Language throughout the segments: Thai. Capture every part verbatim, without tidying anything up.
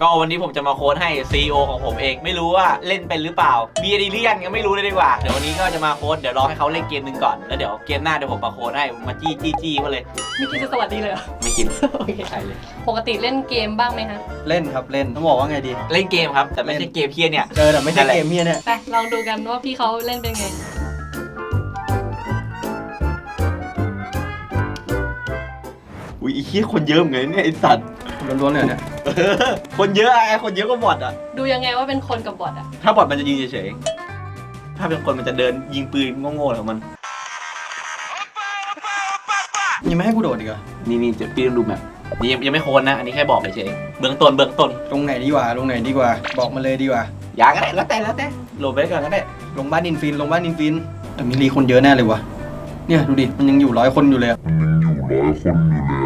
ก็วันนี้ผมจะมาโค้ดให้ ซี อี โอ ของผมเองไม่รู้ว่าเล่นเป็นหรือเปล่ามีเอเลียนก็ไม่รู้เลยดีกว่าเดี๋ยววันนี้ก็จะมาโค้ดเดี๋ยวรอให้เขาเล่นเกมหนึ่งก่อนแล้วเดี๋ยวเกมหน้าเดี๋ยวผมมาโค้ดให้มาจี้จี้จี้มาเลยไม่คิดจะสวัสดีเลยเหรอไม่คิดโอเคใช่เลยปกติเล่นเกมบ้างไหมคะเล่นครับเล่นต้องบอกว่าไงดีเล่นเกมครับแต่ไม่ใช่เกมเพี้ยเนี่ยเจอแต่ไม่ใช่เกมเพี้ยเนี่ยไปลองดูกันว่าพี่เขาเล่นเป็นไงอุ้ยไอ้เหี้ยคนเยอะเหมือนเนี่ยไอ้สัตว์ล้วนๆเลยเนี่ยคนเยอะไอ้คนเยอะก็บอทอ่ะดูยังไงว่าเป็นคนกับบอทอ่ะถ้าบอทมันจะยิงเฉยๆถ้าเป็นคนมันจะเดินยิงปืนโง่ๆของมันยังไม่ให้กูโดดอีกเหรอนี่นี่จะพี่ต้องดูแบบนี่ยังยังไม่โคนนะอันนี้แค่บอกเฉยๆเบื้องต้นเบื้องต้นลงไหนดีกว่าลงไหนดีกว่าบอกมาเลยดีกว่าอยากก็ได้แล้วแต่แล้วแต่โหลดไปก่อนก็ได้ลงบ้านอินฟินลงบ้านอินฟินแต่มีรีคนเยอะแน่เลยวะเนี่ยดูดิมันยังอยู่ร้อยคนอยู่เลยมันยังอยู่ร้อยคนอยู่เลย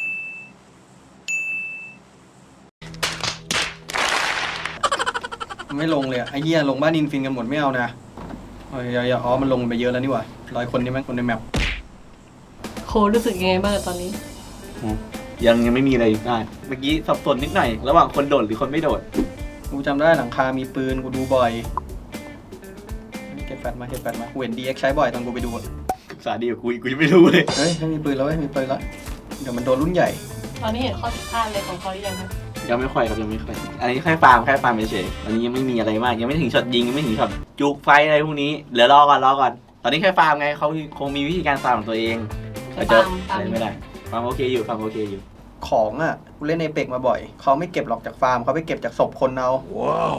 ไม่ลงเลยไอ้เหี้ยลงบ้านอินฟินกันหมดไม่เอานะอย่าอย่าอ๋อมันลงไปเยอะแล้วนี่หว่าร้อยคนนี่มั้งคนในแมปโครู้สึกยังไงบ้างตอนนี้ยังยังไม่มีอะไรได้เมื่อกี้สับสนนิดหน่อยระหว่างคนโดดหรือคนไม่โดดกูจำได้หลังคามีปืนกูดูบ่อยเก็บแฟตมาเก็บแฟตมาเห็นดีเอ็กใช้บ่อยตอนกูไปดูศึกษาดีกว่ากูกูยังไม่รู้เลยเฮ้ยไม่มีปืนแล้วไม่มีปืนแล้วเดี๋ยวมันโดนรุ่นใหญ่ตอนนี้เห็นข้อผิดพลาดอะไรของเขาหรือยังครับยังไม่ค่อยครับยังไม่ค่อยอันนี้แค่ฟาร์มแค่ฟาร์มเฉยๆอันนี้ยังไม่มีอะไรมากยังไม่ถึงช็อตยิงยังไม่ถึงช็อตจุกไฟอะไรพวกนี้เหลือรอก่อนรอก่อนตอนนี้แค่ฟาร์มไงเขาคงมีวิธีการฟาร์มของตัวเองฟาร์มฟาร์มไม่ได้ฟาร์มโอเคอยู่ฟาร์มโอเคอยู่ของอ่ะกูเล่นในเป็กมาบ่อยเขาไม่เก็บหรอกจากฟาร์มเขาไปเก็บจากศพคนเอาว้าว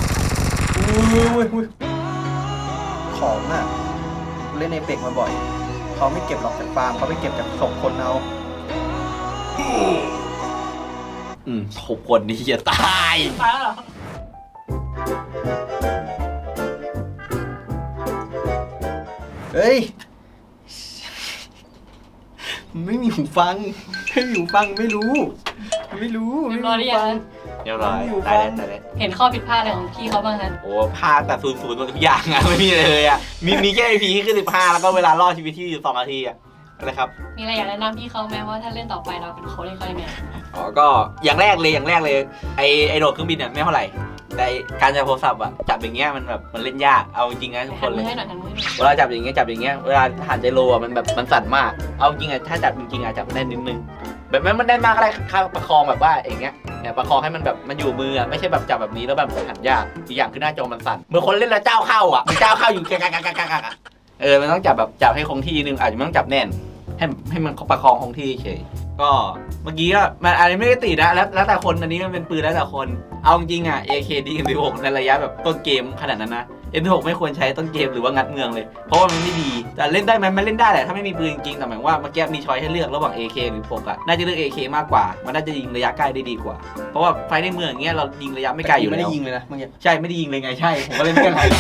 ของอ่ะกูเล่นในเป็กมาบ่อยเขาไม่เก็บหรอกจากฟาร์มเขาไปเก็บจากศพคนเอาอืมศพคนนี่จะตายตายแล้วเหรอเฮ้ยไม่มีหูฟังไม่มีหูฟังไม่รู้ไม่รู้เรียบร้อยหรือยังเรียบร้อยตายแล้วตายแล้วเห็นข้อผิดพลาดอะไรของพี่เขาบ้างคะโอ้พลาดแต่ศูนย์ศูนย์ทุกอย่างอะไม่มีเลยอะมีมีแค่ไอพีขึ้นสิบห้าแล้วก็เวลารอดชีวิตที่อยู่สองนาทีอะอะไรครับมีอะไรอยากแนะนำพี่เขาไหมว่าถ้าเล่นต่อไปเราเป็นโค้ชให้เขายังไงอ๋อก็อย่างแรกเลยอย่างแรกเลยไอไอโดดเครื่องบินเนี่ยไม่เท่าไหร่แต่การจับโทรศัพท์อะจับอย่างเงี้ยมันแบบมันเล่นยากเอาจริงนะทุกคนเลยเวลาจับอย่างเงี้ยจับอย่างเงี้ยเวลาหันใจโลอะมันแบบมันสั่นมากเอาจริงอะถ้าจับจริงๆอะจับแน่นนิดนึงแบบมันมันแน่นมากอะไรข้าประคองแบบว่าอย่างเงี้ยเนี่ยประคองให้มันแบบมันอยู่มืออะไม่ใช่แบบจับแบบนี้แล้วแบบหันยากอีกอย่างคือหน้าจอมันสั่นเมื่อคนเล่นแล้วเจ้าเข้าอะมันเจ้าเข้าอยู่กะกะกะกะกะกะเออมันต้องจับแบบจับให้คงที่นึงอาจจะไม่ต้องจับแน่นให้ให้มันประคองคงที่เฉยก็เมื่อกี้ก็มันอันนี้ไม่ได้ติดนะแล้วแล้วแต่คนอันนี้มันเป็นปืนแล้วแต่คนเอาจริงๆอ่ะ เอ เค ดี เอ็ม สิบหก ในระยะแบบต้นเกมขนาดนั้นนะ เอ็ม สิบหก ไม่ควรใช้ต้นเกมหรือว่างัดเมืองเลยเพราะว่ามันไม่ดีแต่เล่นได้ไหมมันเล่นได้แหละถ้าไม่มีปืนจริงๆแต่หมายว่าเมื่อกี้มีช้อยให้เลือกระหว่าง เอ เค หรือโฟกัสน่าจะเลือก เอ เค มากกว่ามันน่าจะยิงระยะใกล้ได้ดีกว่าเพราะว่าไฟในเมืองอย่างเงี้ยเรายิงระยะไม่ไกลอยู่แล้วไม่ได้ยิงเลยนะเมื่อกี้ใช่ไม่ได้ยิงเลยไงใช่ผมก็เล่นไม่กันไร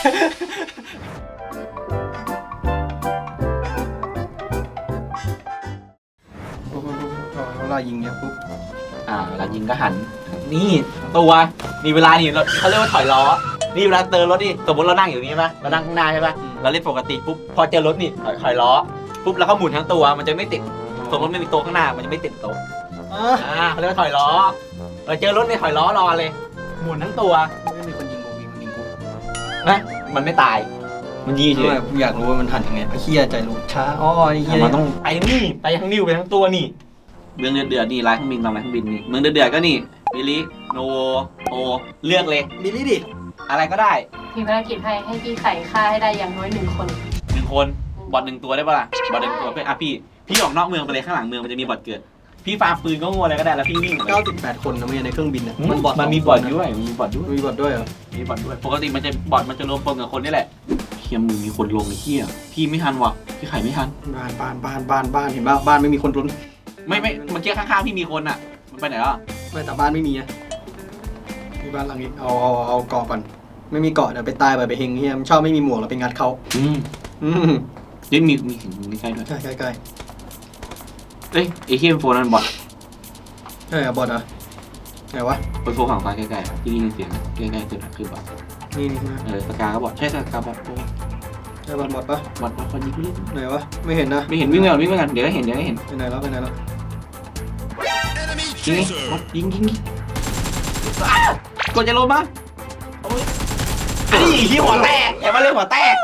เวลายิงเนี่ยปุ๊บอ่าเวลายิงก็หันนี่ตัวมีเวลานี่เขาเรียกว่าถอยล้อนี่เวลาเติมรถนี่สมมติเรานั่งอยู่นี่ใช่ไหมเรานั่งข้างหน้าใช่ไหมเราเล่นปกติปุ๊บพอเจอรถนี่ถอยล้อปุ๊บแล้วก็หมุนทั้งตัวมันจะไม่ติดสมมติไม่มีโต๊ะข้างหน้ามันจะไม่ติดโต๊ะอ่าเขาเรียกว่าถอยล้อเราเจอรถนี่ถอยล้อรอเลยหมุนทั้งตัวไม่มีคนยิงกูมีคนยิงกูนะมันไม่ตายมันยิงเฉยอยากรู้ว่ามันหันยังไงไอ้เหี้ยใจรู้ช้าอ๋อไอ้เหี้ยมันต้องไปนี่ไปทั้งนิ้วไปทั้งตัวนี่เมืองเดือดเดือดนี่ร้านเครื่องบินลำร้านเครื่องบินนี่เมืองเดือดเดือดก็นี่บิลิโนโอเลือกเลยบิลิดิอะไรก็ได้มีภารกิจให้ให้พี่ไข่ฆ่าให้ได้อย่างน้อยหนึ่งคนหนึ่งคนบอทหนึ่งตัวได้ปะล่ะบอทหนึ่งตัวเป็นอ่ะพี่พี่ออกนอกเมืองไปเลยข้างหลังเมืองมันจะมีบอทเกิดพี่ฟาร์มปืนก็โง่อะไรก็ได้แล้วพี่วิ่งเก้าสิบแปดคนนะไม่ในเครื่องบินเนี่ยมันบอทมันมีบอทด้วยมีบอทด้วยมีบอทด้วยเหรอมีบอทด้วยปกติมันจะบอทมันจะรวมปนกับคนนี่แหละเฮียมึงมีคนลงไอ้เหี้ยพี่ไม่ทันว่ะพี่ไข่ไม่ทันบ้านบ้านบ้านบ้านบ้านเห็นป่ะบ้านไม่มีคนลุ้นไม่ไม่เมื่อกี้ข้างๆพี่มีคนอ่ะมันไปไหนอ่ะไม่แต่บ้านไม่มีอ่ะที่บ้านหลังนี้เอาเอาเอาเกาะก่อนไม่มีเกาะเดี๋ยวไปตายไปไปเฮงเฮียมชอบไม่มีหมวกเราไปงัดเขาอืมอืมนี่มีมีมีใกล้ด้วยใกล้ใกล้ใกล้เอ้ยไอเฮียโฟนั่นบอทใช่บอทเหรอไหนวะเป็นโฟฝั่งซ้ายใกล้ๆที่นี่เสียงใกล้ๆคือคือบอทนี่นี่เออสกาก็บอทใช่สกาบอทใช่บอทบอทปะบอทบอทคนยิงพี่ไหนวะไม่เห็นนะไม่เห็นวิ่งไปก่อนวิ่งไปก่อนเดี๋ยวก็เห็นเดี๋ยวก็เห็นไปไหนแล้วไปไหนแล้วยิงยิงยิงยิงกดจะลงมานี่ที่หัวแตกอย่ามาเล่นหัวแตก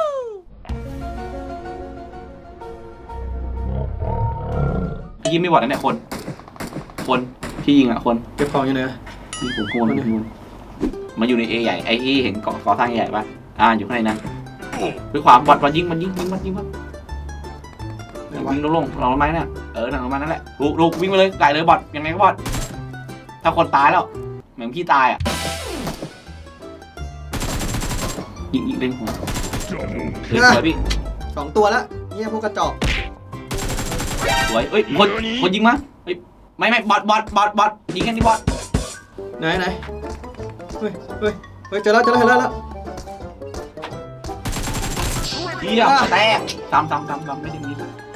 ยิงไม่บอดนะเนี่ยคนคนที่ยิงอ่ะคนเก็บของอยู่เนอะนี่ผมโกนนี่คุณมาอยู่ในเอใหญ่ไอ้ที่เห็นก่อก่อสร้างใหญ่ปะอ่าอยู่ข้างในนั้นด้วยความบอดบอดยิงมันยิงยิงมันยิงมันวิ่งลงลงลงไม้น่ะเออหนังลงมานั่นแหละลูกลูกวิ่งไปเลยไก่เลยบอดยังไงก็บอดถ้าคนตายแล้วเหมือนพี่ตายอ่ะยิงยิงเล่นหัวเฮ้ยสวยพี่สองตัวแล้วเนี่ยพวกกระจอกสวยเอ้ยคนคนยิงมาเฮ้ยไม่ไม่บอดบอดบอดบอดยิงกันที่บอดไหนไหนเฮ้ยเฮ้ยเฮ้ยเจอแล้วเจอแล้วเจอแล้วเฮียแตกตามตามตามตามไม่ได้มี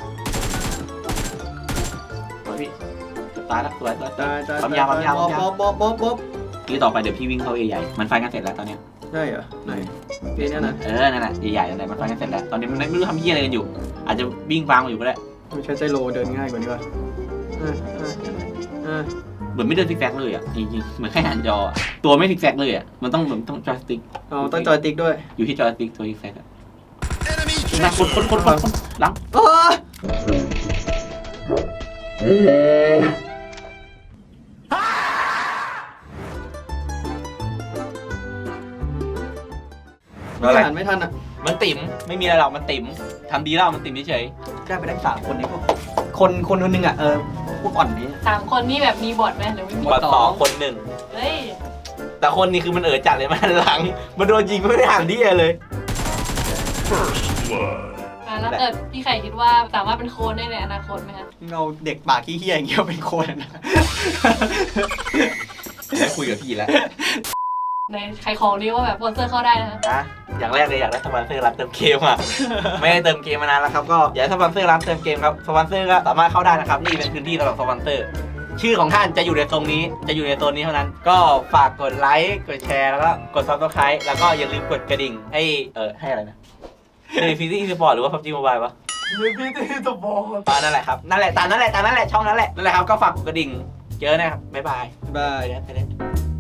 สวยพี่ตายแล้วสวยสวยตายตายปั๊มยาปั๊มยาปั๊มยาบ๊อบบ๊อบบ๊อบบ๊อบทีต่อไปเดี๋ยวพี่วิ่งเข้าเอใหญ่มันไฟกันเสร็จแล้วตอนเนี้ยได้เหรอไหนเกมเนี้ยนะเออนั่นแหละใหญ่ๆนั่นแหละมันไฟกันเสร็จแล้วตอนนี้มันไม่รู้ทำเฮียอะไรกันอยู่อาจจะวิ่งฟาร์มอยู่ก็ได้ไม่ใช่ใจโลเดินง่ายกว่านี้ป่ะอ่าอ่าอ่าเหมือนไม่เดินซิกแซกเลยอ่ะจริงๆเหมือนแค่หันจออะตัวไม่ซิกแซกเลยอ่ะมันต้องเหมือนต้องจอยสติ๊กอ๋อต้องจอยติ๊กด้วยอยู่ที่จอยสติ๊กตัวซิกแซกอ่ะนะคนคนคนคนคนหลังโอ้ยอะไรอ่านไม่ทันอ่ะมันติ๋มไม่มีอะไรหรอกมันติ๋มทำดีแล้วมันติ๋มเฉยได้ไปได้สามคนนี้พวกคนคนคนหนึงอ่ะเออพวกอ่อนนี้สามคนนี่แบบมีบทไหมหรือไม่มีๆบอดสองคนหนึ่งเฮ้ยแต่คนนี้คือมันเอ๋อจัดเลยมันหันหลังมันโดนยิงไม่ได้หันที่เลยอ่ะแล้วเกิดพี่ไข่คิดว่าสามารถเป็นโค้ชได้ในอนาคตไหมคะเราเด็กปากขี้เหี้ยอย่างเงี้ยเป็นคนนะได้คุยกับพี่แล้วในใครของนี้ว่าแบบสปอนเซอร์เข้าได้นะคะอ่ะอย่างแรกเลยอยากได้สปอนเซอร์ร้านเติมเกมอ่ะ ไม่ได้เติมเกมมานานแล้วครับก็อยากได้สปอนเซอร์ร้านเติมเกมครับสปอนเซอร์ก็สามารถเข้าได้นะครับนี่เป็นพื้นที่สำหรับสปอนเซอร์ชื่อของท่านจะอยู่ในตรงนี้จะอยู่ในโซนนี้เท่านั้น ก็ฝากกดไลค์กดแชร์แล้วก็กดซับสไครต์แล้วก็อย่าลืมกดกระดิ่งให้เออให้อะไรนะในฟิซี่สปอร์ตหรือว่าพับจีโมบายปะพี่ตีสปอร์ตอ่านั่นแหละครับนั่นแหละตามนั่นแหละตามนั่นแหละช่องนั้นแหละนั่นแหละครับก็ฝากกดกระดิ่งเจอนะครับบ๊ายบายบายไปเล่นไปเล่น